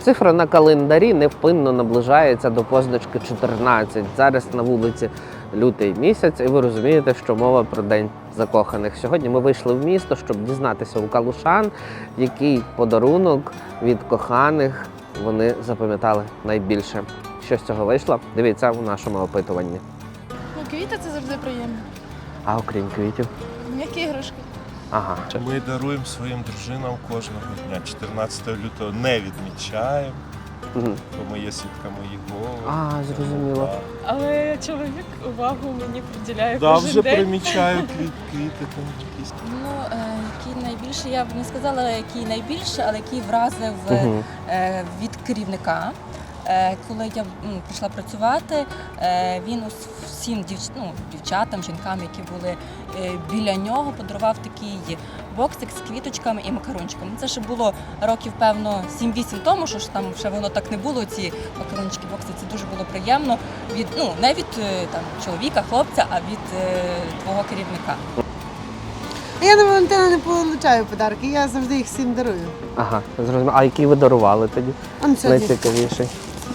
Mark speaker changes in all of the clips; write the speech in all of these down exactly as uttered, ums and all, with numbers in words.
Speaker 1: Цифра на календарі невпинно наближається до позначки чотирнадцять. Зараз на вулиці лютий місяць, і ви розумієте, що мова про День закоханих. Сьогодні ми вийшли в місто, щоб дізнатися у калушан, який подарунок від коханих вони запам'ятали найбільше. Що з цього вийшло? Дивіться у нашому опитуванні.
Speaker 2: Ну, квіти це завжди приємно.
Speaker 1: А окрім квітів?
Speaker 2: М'які іграшки.
Speaker 1: Ага.
Speaker 3: Ми даруємо своїм дружинам кожного дня. чотирнадцятого лютого не відмічаємо,
Speaker 1: Угу.
Speaker 3: бо ми є свідками Єгови.
Speaker 1: А, зрозуміло.
Speaker 4: Але чоловік увагу мені приділяє
Speaker 3: Да,
Speaker 4: кожен
Speaker 3: вже
Speaker 4: день.
Speaker 3: примічаю квіт, квіти там якісь.
Speaker 5: Ну, е, який найбільше, я б не сказала, який найбільше, але який вразив
Speaker 1: Угу.
Speaker 5: е, від керівника. Е, коли я м, прийшла працювати, е, він ус- всім дівч... ну, дівчатам, жінкам, які були е, біля нього, подарував такий боксик з квіточками і макарончиками. Це ще було років, певно, сім-вісім тому, що ж там ще воно так не було, ці макарончики, бокси. Це дуже було приємно. Від, ну, не від е, там, чоловіка, хлопця, а від е, твого керівника.
Speaker 6: Я на Валентина не получаю подарки, я завжди їх всім дарую.
Speaker 1: Ага, зрозуміло. А який ви дарували тоді?
Speaker 6: Он сьогодні.
Speaker 1: Найцікавіший.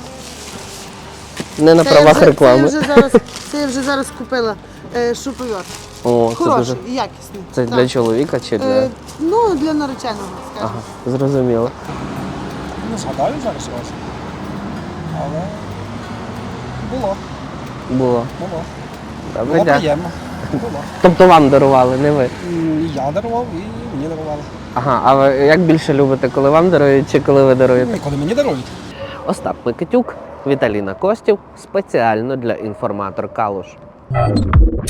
Speaker 1: Не на
Speaker 6: Це я
Speaker 1: правах
Speaker 6: вже-
Speaker 1: реклами.
Speaker 6: Це я вже зараз, це я вже зараз купила е, шуповерт.
Speaker 1: О, це
Speaker 6: Хороший
Speaker 1: дуже.
Speaker 6: і якісний.
Speaker 1: Це
Speaker 6: Так.
Speaker 1: для чоловіка чи для.
Speaker 6: Е, ну, для нареченого, скажімо.
Speaker 1: Ага, зрозуміло.
Speaker 7: Не згадаю зараз вас. Але було,
Speaker 1: Було.
Speaker 7: було.
Speaker 1: Добре,
Speaker 7: Було
Speaker 1: дякую.
Speaker 7: приємно. Було.
Speaker 1: Тобто вам дарували, не ви.
Speaker 7: І я дарував, і мені дарували.
Speaker 1: Ага, а ви як більше любите, коли вам дарують чи коли ви даруєте?
Speaker 7: І коли мені дарують.
Speaker 1: Остап Микитюк, Віталіна Костів спеціально для інформатор Калуш.